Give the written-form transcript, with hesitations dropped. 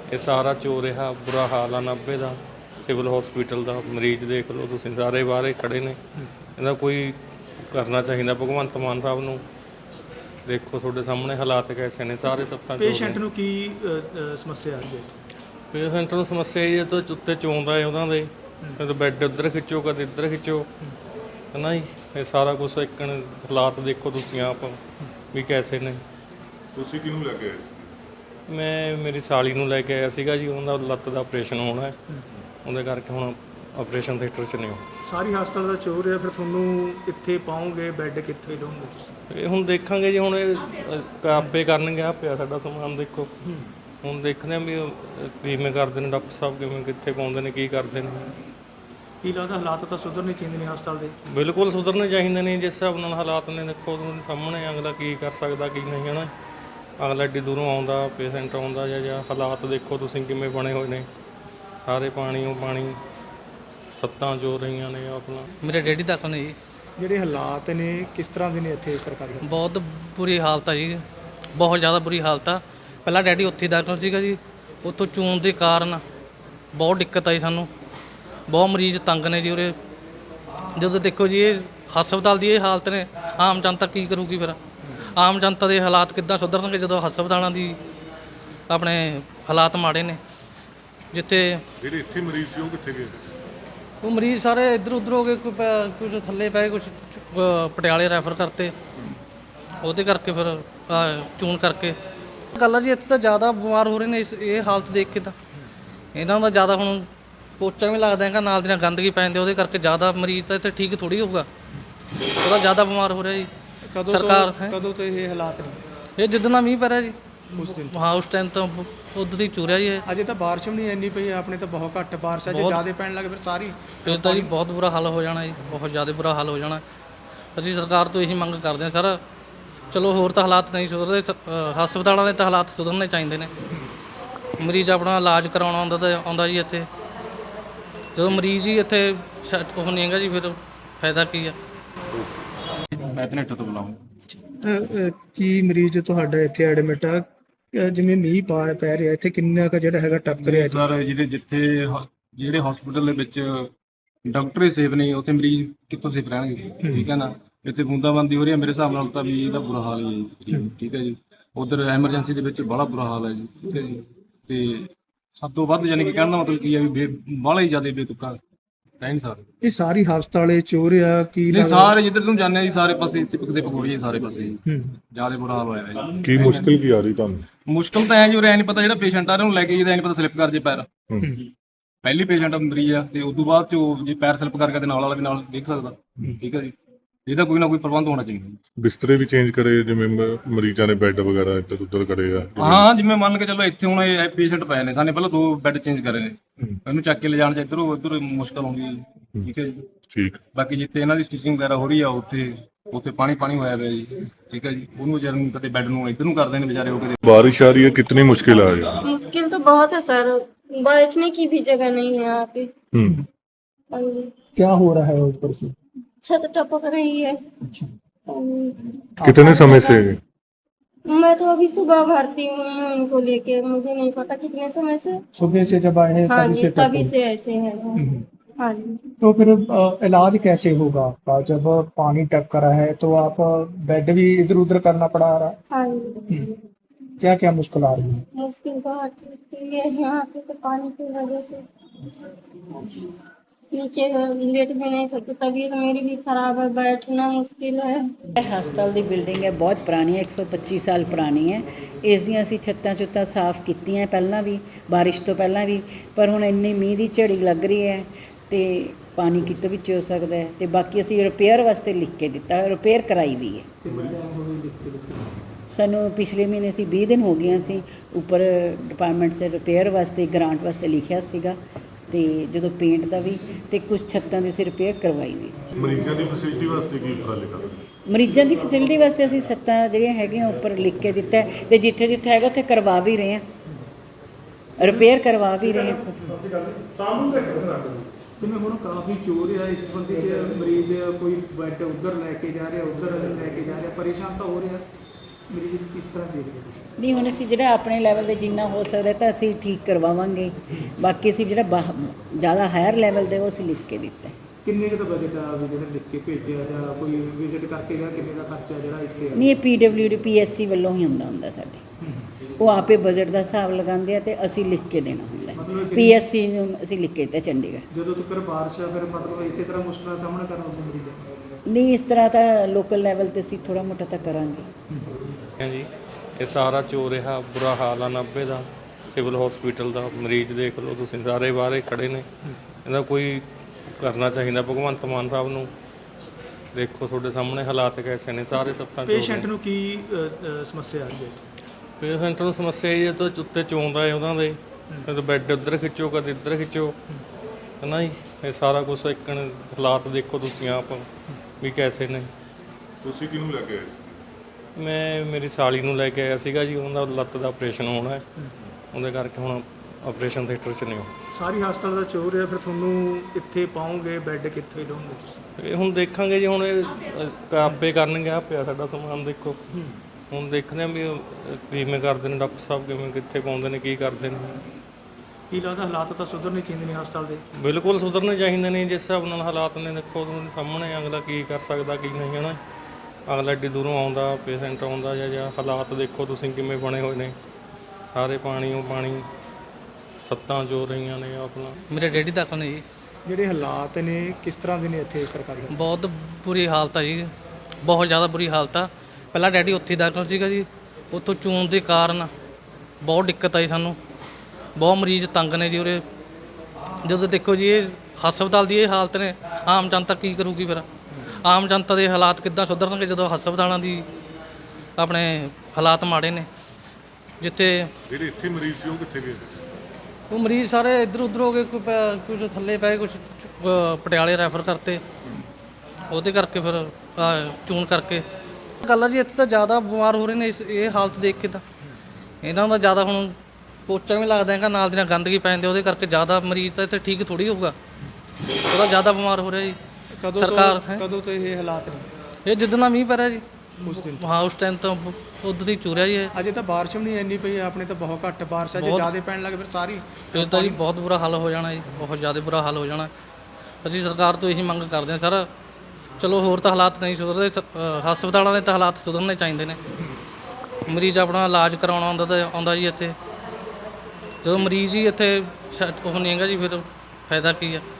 ਇਹ ਸਾਰਾ ਚੋ ਰਿਹਾ। ਬੁਰਾ ਹਾਲ ਆ ਨਾਭੇ ਦਾ, ਸਿਵਲ ਹਸਪੀਟਲ ਦਾ। ਮਰੀਜ਼ ਦੇਖ ਲਓ ਤੁਸੀਂ, ਸਾਰੇ ਬਾਹਰ ਖੜੇ ਨੇ। ਇਹਦਾ ਕੋਈ ਕਰਨਾ ਚਾਹੀਦਾ ਭਗਵੰਤ ਮਾਨ ਸਾਹਿਬ ਨੂੰ। ਦੇਖੋ ਤੁਹਾਡੇ ਸਾਹਮਣੇ ਹਾਲਾਤ ਕੈਸੇ ਨੇ, ਸਾਰੇ ਸੱਤਾਂ ਚੋ ਪੇਸ਼ੈਂਟ ਨੂੰ ਕੀ ਸਮੱਸਿਆ ਆ ਰਹੀ ਹੈ? ਪੇਸ਼ੈਂਟ ਨੂੰ ਸਮੱਸਿਆ ਇਹ ਤੋਂ ਉੱਤੇ ਚੋਂਦਾ ਹੈ ਉਹਨਾਂ ਦੇ, ਕਦੇ ਬੈੱਡ ਉੱਧਰ ਖਿੱਚੋ, ਕਦੇ ਇੱਧਰ ਖਿੱਚੋ, ਹੈ ਨਾ ਜੀ। ਇਹ ਸਾਰਾ ਕੁਛ ਇੱਕ ਹਾਲਾਤ ਦੇਖੋ ਤੁਸੀਂ ਆਪ ਵੀ ਕੈਸੇ ਨੇ। ਤੁਸੀਂ ਕਿਹਨੂੰ ਲੈ ਕੇ ਆਏ ਸੀ? ਮੈਂ ਮੇਰੀ ਸਾਲੀ ਨੂੰ ਲੈ ਕੇ ਆਇਆ ਸੀਗਾ ਜੀ, ਉਹਦਾ ਲੱਤ ਦਾ ਆਪਰੇਸ਼ਨ ਹੋਣਾ ਹੈ, ਉਹਦੇ ਕਰਕੇ ਹੁਣ ਆਪਰੇਸ਼ਨ ਥੀਏਟਰ 'ਚ ਨੇ ਉਹ। ਸਾਰੀ ਹਸਪਤਾਲ ਦਾ ਚੋਰ ਹੈ, ਫਿਰ ਤੁਹਾਨੂੰ ਕਿੱਥੇ ਪਾਓਗੇ? ਬੈੱਡ ਕਿੱਥੇ ਲਓਗੇ ਤੁਸੀਂ? ਇਹ ਹੁਣ ਦੇਖਾਂਗੇ ਜੀ, ਹੁਣ ਇਹ ਆਪੇ ਕਰਨਗੇ। ਆ ਪਿਆ ਸਾਡਾ ਸਮਾਨ ਦੇਖੋ, ਹੁਣ ਦੇਖਦੇ ਹਾਂ ਵੀ ਕਿਵੇਂ ਕਰਦੇ ਨੇ ਡਾਕਟਰ ਸਾਹਿਬ, ਕਿਵੇਂ ਕਿੱਥੇ ਪਾਉਂਦੇ ਨੇ, ਕੀ ਕਰਦੇ ਨੇ। ਕੀ ਲੱਗਦਾ ਹਾਲਾਤ ਤਾਂ ਸੁਧਰਨੇ ਚਾਹੀਦੇ ਨੇ ਹਸਪਤਾਲ ਦੇ? ਬਿਲਕੁਲ ਸੁਧਰਨੇ ਚਾਹੀਦੇ ਨੇ ਜਿਸ ਹਿਸਾਬ ਨਾਲ ਹਾਲਾਤ ਨੇ। ਦੇਖੋ ਤੁਹਾਡੇ ਸਾਹਮਣੇ ਅਗਲਾ ਕੀ ਕਰ ਸਕਦਾ ਕੀ ਨਹੀਂ, ਹੈ ਨਾ। ਅਗਲਾ ਐਡੀ ਦੂਰੋਂ ਆਉਂਦਾ, ਪੇਸ਼ੈਂਟ ਆਉਂਦਾ, ਜਾਂ ਹਾਲਾਤ ਦੇਖੋ ਤੁਸੀਂ ਕਿਵੇਂ ਬਣੇ ਹੋਏ ਨੇ। ਸਾਰੇ ਪਾਣੀ ਉਹ ਪਾਣੀ, ਸੱਤਾਂ ਜੋ ਰਹੀਆਂ ਨੇ ਆਪਣਾ। ਮੇਰੇ ਡੈਡੀ ਤੱਕ ਨੇ ਜੀ। ਜਿਹੜੇ ਹਾਲਾਤ ਨੇ ਕਿਸ ਤਰ੍ਹਾਂ ਦੇ ਨੇ ਇੱਥੇ ਸਰਕਾਰੀ? ਬਹੁਤ ਬੁਰੀ ਹਾਲਤ ਆ ਜੀ, ਬਹੁਤ ਜ਼ਿਆਦਾ ਬੁਰੀ ਹਾਲਤ ਆ। ਪਹਿਲਾਂ ਡੈਡੀ ਉੱਥੇ ਦਾਖਲ ਸੀਗਾ ਜੀ, ਉੱਥੋਂ ਚੂਨ ਦੇ ਕਾਰਨ ਬਹੁਤ ਦਿੱਕਤ ਆਈ ਸਾਨੂੰ। ਬਹੁਤ ਮਰੀਜ਼ ਤੰਗ ਨੇ ਜੀ ਉਰੇ। ਜਦੋਂ ਦੇਖੋ ਜੀ ਇਹ ਹਸਪਤਾਲ ਦੀ ਇਹ ਹਾਲਤ ਨੇ, ਆਮ ਜਨਤਾ ਕੀ ਕਰੂਗੀ ਫਿਰ? ਆਮ ਜਨਤਾ ਦੇ ਹਾਲਾਤ ਕਿੱਦਾਂ ਸੁਧਰਨਗੇ ਜਦੋਂ ਹਸਪਤਾਲਾਂ ਦੀ ਆਪਣੇ ਹਾਲਾਤ ਮਾੜੇ ਨੇ? ਜਿੱਥੇ ਜਿਹੜੇ ਇੱਥੇ ਮਰੀਜ਼ ਸੀ ਉਹ ਕਿੱਥੇ ਗਏ? ਉਹ ਮਰੀਜ਼ ਸਾਰੇ ਇੱਧਰ ਉੱਧਰ ਹੋ ਗਏ, ਕੁਝ ਥੱਲੇ ਪਏ, ਕੁਝ ਪਟਿਆਲੇ ਰੈਫਰ ਕਰਤੇ। ਉਹਦੇ ਕਰਕੇ ਫਿਰ ਚੂਨ ਕਰਕੇ ਗੱਲ ਆ ਜੀ। ਇੱਥੇ ਤਾਂ ਜ਼ਿਆਦਾ ਬਿਮਾਰ ਹੋ ਰਹੇ ਨੇ ਇਹ ਹਾਲਤ ਦੇਖ ਕੇ। ਤਾਂ ਇਹਨਾਂ ਦਾ ਜ਼ਿਆਦਾ ਹੁਣ ਪੋਚਾ ਵੀ ਲੱਗਦਾ ਹੈਗਾ, ਨਾਲ ਦੀ ਨਾਲ ਗੰਦਗੀ ਪੈ ਜਾਂਦੀ, ਉਹਦੇ ਕਰਕੇ ਜ਼ਿਆਦਾ ਮਰੀਜ਼ ਤਾਂ ਇੱਥੇ ਠੀਕ ਥੋੜ੍ਹੀ ਹੋਊਗਾ, ਉਹਦਾ ਜ਼ਿਆਦਾ ਬਿਮਾਰ ਹੋ ਰਿਹਾ ਜੀ। ਸਰਕਾਰ ਕਦੋਂ ਤੋਂ ਇਹ ਹਾਲਾਤ ਨੇ? ਇਹ ਜਿੱਦਾਂ ਦਾ ਮੀਂਹ ਪੈ ਰਿਹਾ ਜੀ, ਉਸ ਦਿਨ ਹਾਂ ਉਸ ਟਾਈਮ ਤਾਂ ਉਦੋਂ ਹੀ ਚੂਰਿਆ ਜੀ ਇਹ। ਅਜੇ ਤਾਂ ਬਾਰਿਸ਼ ਵੀ ਨਹੀਂ ਇੰਨੀ ਪਈ ਆਪਣੇ ਤਾਂ ਬਹੁਤ ਘੱਟ ਬਾਰਿਸ਼ ਹੈ। ਜੇ ਜ਼ਿਆਦਾ ਪੈਣ ਲੱਗੇ ਫਿਰ ਸਾਰੀ ਫਿਰ ਤਾਂ ਜੀ ਬਹੁਤ ਬੁਰਾ ਹਾਲ ਹੋ ਜਾਣਾ ਜੀ, ਬਹੁਤ ਜ਼ਿਆਦਾ ਬੁਰਾ ਹਾਲ ਹੋ ਜਾਣਾ। ਅਸੀਂ ਸਰਕਾਰ ਤੋਂ ਇਹੀ ਮੰਗ ਕਰਦੇ ਹਾਂ ਸਰ, ਚਲੋ ਹੋਰ ਤਾਂ ਹਾਲਾਤ ਨਹੀਂ ਸੁਧਰਦੇ, ਹਸਪਤਾਲਾਂ ਦੇ ਤਾਂ ਹਾਲਾਤ ਸੁਧਰਨੇ ਚਾਹੀਦੇ ਨੇ। ਮਰੀਜ਼ ਆਪਣਾ ਇਲਾਜ ਕਰਾਉਣਾ ਆਉਂਦਾ ਤਾਂ ਆਉਂਦਾ ਜੀ ਇੱਥੇ, ਜਦੋਂ ਮਰੀਜ਼ ਹੀ ਇੱਥੇ ਉਹ ਨਹੀਂ ਹੈਗਾ ਜੀ, ਫਿਰ ਫਾਇਦਾ ਕੀ ਆ? ਮੈਂ ਧਨੇਟਾ ਤੋਂ ਬੁਲਾਉਂਗਾ। ਕੀ ਮਰੀਜ਼ ਤੁਹਾਡਾ ਇੱਥੇ ਐਡਮਿਟ ਆ? ਜਿਵੇਂ ਮੀਂਹ ਪੈ ਰਿਹਾ ਇੱਥੇ, ਕਿੰਨਾ ਕੁ ਜਿਹੜਾ ਹੈਗਾ ਟੱਪ ਰਿਹਾ ਸਰ ਜਿਹੜੇ ਹਸਪੀਟਲ ਦੇ ਵਿੱਚ ਡਾਕਟਰ ਹੀ ਸੇਫ ਨਹੀਂ, ਉੱਥੇ ਮਰੀਜ਼ ਕਿੱਥੋਂ ਸੇਫ ਰਹਿਣਗੇ? ਠੀਕ ਹੈ ਨਾ। ਇੱਥੇ ਬੂੰਦਾਬਾਂਦੀ ਹੋ ਰਹੀ ਹੈ, ਮੇਰੇ ਹਿਸਾਬ ਨਾਲ ਤਾਂ ਵੀ ਇਹਦਾ ਬੁਰਾ ਹਾਲ ਹੀ ਹੈ ਜੀ। ਠੀਕ ਹੈ ਜੀ। ਉਧਰ ਐਮਰਜੈਂਸੀ ਦੇ ਵਿੱਚ ਬੜਾ ਬੁਰਾ ਹਾਲ ਹੈ ਜੀ। ਠੀਕ ਹੈ ਜੀ। ਤੇ ਸਭ ਤੋਂ ਵੱਧ ਯਾਨੀ ਕਿ ਕਹਿਣ ਦਾ ਮਤਲਬ ਕੀ ਹੈ ਵੀ ਬਾਹਲਾ ਹੀ ਜ਼ਿਆਦਾ ਬੇਤੁਕਾ ਨਹੀਂ ਸਰ। ਇਹ ਸਾਰੀ ਹਸਪਤਾਲੇ ਚੋਰ ਆ ਕੀ? ਨਹੀਂ ਸਾਰੇ ਜਿੱਧਰ ਨੂੰ ਜਾਂਦੇ ਆ ਜੀ, ਸਾਰੇ ਪਾਸੇ ਚਿਪਕ ਦੇ ਪਕੌੜੀ ਸਾਰੇ ਪਾਸੇ ਜ਼ਿਆਦਾ ਬੁਰਾ ਹਾਲ ਹੋਇਆ ਹੈ ਜੀ। ਕੀ ਮੁਸ਼ਕਿਲ ਕੀ ਆ ਰਹੀ ਤੁਹਾਨੂੰ? ਮੁਸ਼ਕਿਲ ਤਾਂ ਐ ਜੀ, ਉਰੇ ਐ ਨਹੀਂ ਪਤਾ ਜਿਹੜਾ ਪੇਸ਼ੈਂਟ ਆ ਰਿਹਾ ਉਹਨੂੰ ਲੈ ਕੇ ਜਿਹਦਾ ਨਹੀਂ ਪਤਾ ਸਲਿੱਪ ਕਰ ਜੇ ਪੈਰ। ਪਹਿਲੀ ਪੇਸ਼ੈਂਟ ਮਰੀਜ਼ ਆ ਤੇ ਉਦੋਂ ਬਾਅਦ ਚ ਜੇ ਪੈਰ ਸਲਿੱਪ ਕਰ ਗਿਆ ਤੇ ਨਾਲ ਵਾਲਾ ਵੀ ਨਾਲ ਦੇਖ ਸਕਦਾ। ਠੀਕ ਹੈ ਜੀ। ਇਹਦਾ ਕੋਈ ਨਾ ਕੋਈ ਪ੍ਰਬੰਧ ਹੋਣਾ ਚਾਹੀਦਾ। ਬਿਸਤਰੇ ਵੀ ਚੇਂਜ ਕਰੇ, ਜਿਵੇਂ ਮਰੀਜ਼ਾਂ ਨੇ ਬੈੱਡ ਵਗੈਰਾ ਇੱਧਰ ਉੱਧਰ ਕਰੇ ਆ? ਹਾਂ ਜਿਵੇਂ ਮੰਨ ਕੇ ਚਲੋ ਇੱਥੇ ਹੁਣ ਇਹ ਪੇਸ਼ੈਂਟ ਪਏ ਨੇ, ਸਾਨੇ ਪਹਿਲਾਂ 2 ਬੈੱਡ ਚੇਂਜ ਕਰੇ ਨੇ, ਇਹਨੂੰ ਚੱਕ ਕੇ ਲਿਜਾਣ ਚ ਇੱਧਰ ਮੁਸ਼ਕਲ ਆਉਂਦੀ ਹੈ। ਠੀਕ ਹੈ ਜੀ। ਠੀਕ। ਬਾਕੀ ਜਿੱਥੇ ਇਹਨਾਂ ਦੀ ਸਟਿਚਿੰਗ ਵਗੈਰਾ ਹੋ ਰਹੀ ਆ ਉੱਥੇ ਪਾਣੀ ਹੋਇਆ ਪਿਆ ਜੀ। ਠੀਕ ਹੈ ਜੀ। ਉਹਨੂੰ ਵਿਚਾਰੇ ਨੂੰ ਕਦੇ ਬੈੱਡ ਨੂੰ ਇੱਧਰ ਨੂੰ ਕਰਦੇ ਨੇ ਵਿਚਾਰੇ ਉਹ। बारिश आ रही है, कितनी मुश्किल आ रही है? मुश्किल तो बहुत है सर, बैठने की भी जगह नहीं है यहाँ पे। हाँ जी। क्या हो रहा है ऊपर से? छत टपक रही है। कितने समय से? मैं तो अभी सुबह भरती हूँ उनको लेके, मुझे नहीं पता कितने समय से। सुबह से जब आए हैं हाँ तभी जी, से तभी से ऐसे है। हाँ जी। तो फिर इलाज कैसे होगा आपका? जब पानी टपक रहा है तो आप बेड भी इधर उधर करना पड़ा रहा? हाँ जी। क्या क्या मुश्किल आ रही है? मुश्किल तो हर चीज की है यहाँ पे, तो पानी की वजह से नीचे लेट भी नहीं सकते, तबीयत मेरी भी खराब है, बैठना मुश्किल है। ਹਸਪਤਾਲ ਦੀ ਬਿਲਡਿੰਗ ਹੈ, ਬਹੁਤ ਪੁਰਾਣੀ ਹੈ, 125 ਸਾਲ ਪੁਰਾਣੀ ਹੈ। ਇਸ ਦੀਆਂ ਅਸੀਂ ਛੱਤਾਂ ਚੁੱਤਾਂ ਸਾਫ਼ ਕੀਤੀਆਂ ਪਹਿਲਾਂ ਵੀ, ਬਾਰਿਸ਼ ਤੋਂ ਪਹਿਲਾਂ ਵੀ, ਪਰ ਹੁਣ ਇੰਨੀ ਮੀਂਹ ਦੀ ਝੜੀ ਲੱਗ ਰਹੀ ਹੈ ਤੇ ਪਾਣੀ ਕਿਤੋਂ ਵਿੱਚ ਹੋ ਸਕਦਾ ਹੈ। ਤੇ ਬਾਕੀ ਅਸੀਂ ਰਿਪੇਅਰ ਵਾਸਤੇ ਲਿਖ ਕੇ ਦਿੱਤਾ, ਰਿਪੇਅਰ ਕਰਾਈ ਵੀ ਹੈ। ਸਾਨੂੰ ਪਿਛਲੇ ਮਹੀਨੇ ਅਸੀਂ 20 ਦਿਨ ਹੋ ਗਏ ਅਸੀਂ ਉੱਪਰ ਡਿਪਾਰਟਮੈਂਟ 'ਚ ਰਿਪੇਅਰ ਵਾਸਤੇ ਗ੍ਰਾਂਟ ਵਾਸਤੇ ਲਿਖਿਆ ਸੀਗਾ, ਤੇ ਜਦੋਂ ਪੇਂਟ ਦਾ ਵੀ ਤੇ ਕੁਝ ਛੱਤਾਂ ਦੀ ਅਸੀਂ ਰਿਪੇਅਰ ਕਰਵਾਈ ਵੀ ਸੀ। ਮਰੀਜ਼ਾਂ ਦੀ ਫੈਸਿਲਿਟੀ ਵਾਸਤੇ ਕੀ ਉਪਰਾਲੇ ਕਰ ਰਹੇ? ਮਰੀਜ਼ਾਂ ਦੀ ਫੈਸਿਲਿਟੀ ਵਾਸਤੇ ਅਸੀਂ ਛੱਤਾਂ ਜਿਹੜੀਆਂ ਹੈਗੀਆਂ ਉੱਪਰ ਲਿਖ ਕੇ ਦਿੱਤਾ ਤੇ ਜਿੱਥੇ ਜਿੱਥੇ ਹੈਗਾ ਉੱਥੇ ਕਰਵਾ ਵੀ ਰਹੇ ਹਾਂ, ਰਿਪੇਅਰ ਕਰਵਾ ਵੀ ਰਹੇ ਹਾਂ। ਜਿਵੇਂ ਹੁਣ ਕਾਫੀ ਚੋਰ ਆ ਇਸ ਸੰਬੰਧੀ ਚ, ਮਰੀਜ਼ ਕੋਈ ਬੈੱਡ ਉਧਰ ਲੈ ਕੇ ਜਾ ਰਿਹਾ, ਉਧਰ ਲੈ ਕੇ ਜਾ ਰਿਹਾ, ਪਰੇਸ਼ਾਨ ਤਾਂ ਹੋ ਰਿਹਾ। ਮਰੀਜ਼ ਕਿਸ ਤਰ੍ਹਾਂ ਦੇਖਦੇ ਹੋ? ਨਹੀਂ ਹੁਣ ਅਸੀਂ ਜਿਹੜਾ ਆਪਣੇ ਲੈਵਲ ਤੇ ਜਿੰਨਾ ਹੋ ਸਕਦਾ ਤਾਂ ਅਸੀਂ ਠੀਕ ਕਰਵਾਵਾਂਗੇ। ਬਾਕੀ ਅਸੀਂ ਜਿਹੜਾ ਜ਼ਿਆਦਾ ਹਾਇਰ ਲੈਵਲ ਦੇ ਉਹ ਅਸੀਂ ਲਿਖ ਕੇ ਦਿੱਤਾ। ਕਿੰਨੇ ਕੁ ਦਾ ਬਜਟ ਆ ਵੀ ਜਿਹੜਾ ਲਿਖ ਕੇ ਭੇਜਿਆ ਜਾਂ ਕੋਈ ਵਿਜ਼ਿਟ ਕਰਕੇ ਗਿਆ, ਕਿੰਨੇ ਦਾ ਖਰਚਾ ਜਿਹੜਾ ਇਸ ਤੇ? ਨਹੀਂ, ਇਹ PWD PSC ਵੱਲੋਂ ਹੀ ਹੁੰਦਾ ਸਾਡੇ। ਉਹ ਆਪੇ ਬਜਟ ਦਾ ਹਿਸਾਬ ਲਗਾਉਂਦੇ ਆ ਤੇ ਅਸੀਂ ਲਿਖ ਕੇ ਦੇਣਾ ਹੁੰਦਾ। PSC ਨੂੰ ਅਸੀਂ ਲਿਖ ਕੇ ਦਿੱਤਾ ਚੰਡੀਗੜ੍ਹ। ਜਦੋਂ ਤੱਕ ਬਾਰਿਸ਼ ਆ ਫਿਰ ਮਤਲਬ ਇਸੇ ਤਰ੍ਹਾਂ ਮੁਸ਼ਕਲਾਂ ਦਾ ਸਾਹਮਣਾ ਕਰਨਾ ਪਊ ਮਰੀਜ਼ਾਂ ਨੂੰ? ਨਹੀਂ, ਇਸ ਤਰ੍ਹਾਂ ਤਾਂ ਲੋਕਲ ਲੈਵਲ ਤੇ ਅਸੀਂ ਥੋੜਾ ਮੋਟਾ ਤਾਂ ਕਰਾਂਗੇ। ਹਾਂਜੀ, ਇਹ ਸਾਰਾ ਚੋ ਰਿਹਾ, ਬੁਰਾ ਹਾਲ ਆ 90 ਦਾ ਸਿਵਲ ਹਸਪੀਟਲ ਦਾ। ਮਰੀਜ਼ ਦੇਖ ਲਓ ਤੁਸੀਂ, ਸਾਰੇ ਬਾਹਰੇ ਖੜੇ ਨੇ। ਇਹਦਾ ਕੋਈ ਕਰਨਾ ਚਾਹੀਦਾ ਭਗਵੰਤ ਮਾਨ ਸਾਹਿਬ ਨੂੰ। ਦੇਖੋ ਤੁਹਾਡੇ ਸਾਹਮਣੇ ਹਾਲਾਤ ਕੈਸੇ ਨੇ, ਸਾਰੇ ਸੱਤਾਂ ਚੋ ਪੇਸ਼ੈਂਟ ਨੂੰ ਕੀ ਸਮੱਸਿਆ ਆ ਰਹੀ ਹੈ? ਪੇਸ਼ੈਂਟ ਨੂੰ ਸਮੱਸਿਆ ਇਹ ਤੋਂ ਉੱਤੇ ਚੋਂਦਾ ਹੈ ਉਹਨਾਂ ਦੇ, ਕਦੇ ਬੈੱਡ ਉੱਧਰ ਖਿੱਚੋ ਕਦੇ ਇੱਧਰ ਖਿੱਚੋ, ਹੈ ਨਾ ਜੀ। ਇਹ ਸਾਰਾ ਕੁਛ ਇੱਕ ਹਾਲਾਤ ਦੇਖੋ ਤੁਸੀਂ ਆਪ ਵੀ ਕੈਸੇ ਨੇ। ਤੁਸੀਂ ਕਿਹਨੂੰ ਲੈ ਕੇ ਆਏ ਸੀ? ਮੈਂ ਮੇਰੀ ਸਾਲੀ ਨੂੰ ਲੈ ਕੇ ਆਇਆ ਸੀਗਾ ਜੀ, ਉਹਦਾ ਲੱਤ ਦਾ ਆਪਰੇਸ਼ਨ ਹੋਣਾ ਹੈ, ਉਹਦੇ ਕਰਕੇ ਹੁਣ ਆਪਰੇਸ਼ਨ ਥੀਏਟਰ 'ਚ ਨਹੀਂ ਹੋ। ਸਾਰੀ ਹਸਪਤਾਲ ਦਾ ਚੋਰ ਹੈ, ਫਿਰ ਤੁਹਾਨੂੰ ਕਿੱਥੇ ਪਾਉਂਗੇ, ਬੈੱਡ ਕਿੱਥੇ ਲਓਗੇ ਤੁਸੀਂ? ਇਹ ਹੁਣ ਦੇਖਾਂਗੇ ਜੀ, ਹੁਣ ਇਹ ਆਪੇ ਕਰਨਗੇ। ਆ ਪਿਆ ਸਾਡਾ ਸਮਾਨ ਦੇਖੋ, ਹੁਣ ਦੇਖਦੇ ਹਾਂ ਵੀ ਕਿਵੇਂ ਕਰਦੇ ਨੇ ਡਾਕਟਰ ਸਾਹਿਬ, ਕਿਵੇਂ ਕਿੱਥੇ ਪਾਉਂਦੇ ਨੇ, ਕੀ ਕਰਦੇ ਨੇ। ਕੀ ਲੱਗਦਾ ਹਾਲਾਤ ਤਾਂ ਸੁਧਰਨੇ ਚਾਹੀਦੇ ਨੇ ਹਸਪਤਾਲ ਦੇ? ਬਿਲਕੁਲ ਸੁਧਰਨੇ ਚਾਹੀਦੇ ਨੇ। ਜਿਸ ਹਿਸਾਬ ਨਾਲ ਹਾਲਾਤ ਨੇ ਦੇਖੋ ਤੁਹਾਡੇ ਸਾਹਮਣੇ, ਅਗਲਾ ਕੀ ਕਰ ਸਕਦਾ ਕੀ ਨਹੀਂ, ਹੈ ਨਾ। ਅਗਲਾ ਐਡੀ ਦੂਰੋਂ ਆਉਂਦਾ, ਪੇਸ਼ੈਂਟ ਆਉਂਦਾ ਜਾਂ ਹਾਲਾਤ ਦੇਖੋ ਤੁਸੀਂ ਕਿਵੇਂ ਬਣੇ ਹੋਏ ਨੇ, ਸਾਰੇ ਪਾਣੀ ਉਹ ਪਾਣੀ, ਸੱਤਾਂ ਜੋ ਰਹੀਆਂ ਨੇ ਆਪਣਾ। ਮੇਰੇ ਡੈਡੀ ਦਾਖਲ ਨੇ ਜੀ। ਜਿਹੜੇ ਹਾਲਾਤ ਨੇ ਕਿਸ ਤਰ੍ਹਾਂ ਦੇ ਨੇ ਇੱਥੇ ਸਰਕਾਰੀ? ਬਹੁਤ ਬੁਰੀ ਹਾਲਤ ਆ ਜੀ, ਬਹੁਤ ਜ਼ਿਆਦਾ ਬੁਰੀ ਹਾਲਤ ਆ। ਪਹਿਲਾਂ ਡੈਡੀ ਉੱਥੇ ਦਾਖਲ ਸੀਗਾ ਜੀ, ਉੱਥੋਂ ਚੂਨ ਦੇ ਕਾਰਨ ਬਹੁਤ ਦਿੱਕਤ ਆਈ ਸਾਨੂੰ। ਬਹੁਤ ਮਰੀਜ਼ ਤੰਗ ਨੇ ਜੀ ਉਰੇ। ਜਦੋਂ ਦੇਖੋ ਜੀ ਇਹ ਹਸਪਤਾਲ ਦੀ ਇਹ ਹਾਲਤ ਨੇ, ਆਮ ਜਨਤਾ ਕੀ ਕਰੂਗੀ ਫਿਰ? ਆਮ ਜਨਤਾ ਦੇ ਹਾਲਾਤ ਕਿੱਦਾਂ ਸੁਧਰਨਗੇ ਜਦੋਂ ਹਸਪਤਾਲਾਂ ਦੀ ਆਪਣੇ ਹਾਲਾਤ ਮਾੜੇ ਨੇ? ਜਿੱਥੇ ਜਿਹੜੇ ਇੱਥੇ ਮਰੀਜ਼ ਸੀ ਉਹ ਕਿੱਥੇ ਗਏ? ਉਹ ਮਰੀਜ਼ ਸਾਰੇ ਇੱਧਰ ਉੱਧਰ ਹੋ ਗਏ, ਕੁਝ ਥੱਲੇ ਪਏ, ਕੁਝ ਪਟਿਆਲੇ ਰੈਫਰ ਕਰਤੇ। ਉਹਦੇ ਕਰਕੇ ਫਿਰ ਚੂਨ ਕਰਕੇ ਗੱਲ ਆ ਜੀ। ਇੱਥੇ ਤਾਂ ਜ਼ਿਆਦਾ ਬਿਮਾਰ ਹੋ ਰਹੇ ਨੇ ਇਹ ਹਾਲਤ ਦੇਖ ਕੇ। ਤਾਂ ਇਹਨਾਂ ਦਾ ਜ਼ਿਆਦਾ ਹੁਣ ਪੋਚਾ ਵੀ ਲੱਗਦਾ ਹੈਗਾ, ਨਾਲ ਦੀ ਨਾਲ ਗੰਦਗੀ ਪੈ ਜਾਂਦੀ, ਉਹਦੇ ਕਰਕੇ ਜ਼ਿਆਦਾ ਮਰੀਜ਼ ਤਾਂ ਇੱਥੇ ਠੀਕ ਥੋੜ੍ਹੀ ਹੋਊਗਾ, ਉਹਦਾ ਜ਼ਿਆਦਾ ਬਿਮਾਰ ਹੋ ਰਿਹਾ ਜੀ। ਸਰਕਾਰ ਕਦੋਂ ਤੋਂ ਇਹ ਹਾਲਾਤ ਨੇ? ਇਹ ਜਿੱਦਣ ਦਾ ਮੀਂਹ ਪੈ ਰਿਹਾ ਜੀ, ਉਸ ਦਿਨ ਹਾਂ ਉਸ ਟਾਈਮ ਤਾਂ ਉਦੋਂ ਦੀ ਚੂਰਿਆ ਜੀ ਇਹ। ਅਜੇ ਤਾਂ ਬਾਰਿਸ਼ ਵੀ ਨਹੀਂ ਇੰਨੀ ਪਈ, ਆਪਣੇ ਤਾਂ ਬਹੁਤ ਘੱਟ ਬਾਰਿਸ਼ ਆ। ਜੇ ਜ਼ਿਆਦਾ ਪੈਣ ਲੱਗੇ ਫਿਰ ਸਾਰੀ ਫਿਰ ਤਾਂ ਜੀ ਬਹੁਤ ਬੁਰਾ ਹਾਲ ਹੋ ਜਾਣਾ ਜੀ, ਬਹੁਤ ਜ਼ਿਆਦਾ ਬੁਰਾ ਹਾਲ ਹੋ ਜਾਣਾ। ਅਸੀਂ ਸਰਕਾਰ ਤੋਂ ਇਹੀ ਮੰਗ ਕਰਦੇ ਹਾਂ ਸਰ, ਚਲੋ ਹੋਰ ਤਾਂ ਹਾਲਾਤ ਨਹੀਂ ਸੁਧਰਦੇ, ਹਸਪਤਾਲਾਂ ਦੇ ਤਾਂ ਹਾਲਾਤ ਸੁਧਰਨੇ ਚਾਹੀਦੇ ਨੇ। ਮਰੀਜ਼ ਆਪਣਾ ਇਲਾਜ ਕਰਾਉਣਾ ਆਉਂਦਾ ਤਾਂ ਆਉਂਦਾ ਜੀ ਇੱਥੇ, ਜਦੋਂ ਮਰੀਜ਼ ਹੀ ਇੱਥੇ ਉਹ ਨਹੀਂ ਹੈਗਾ ਜੀ, ਫਿਰ ਫਾਇਦਾ ਕੀ ਆ?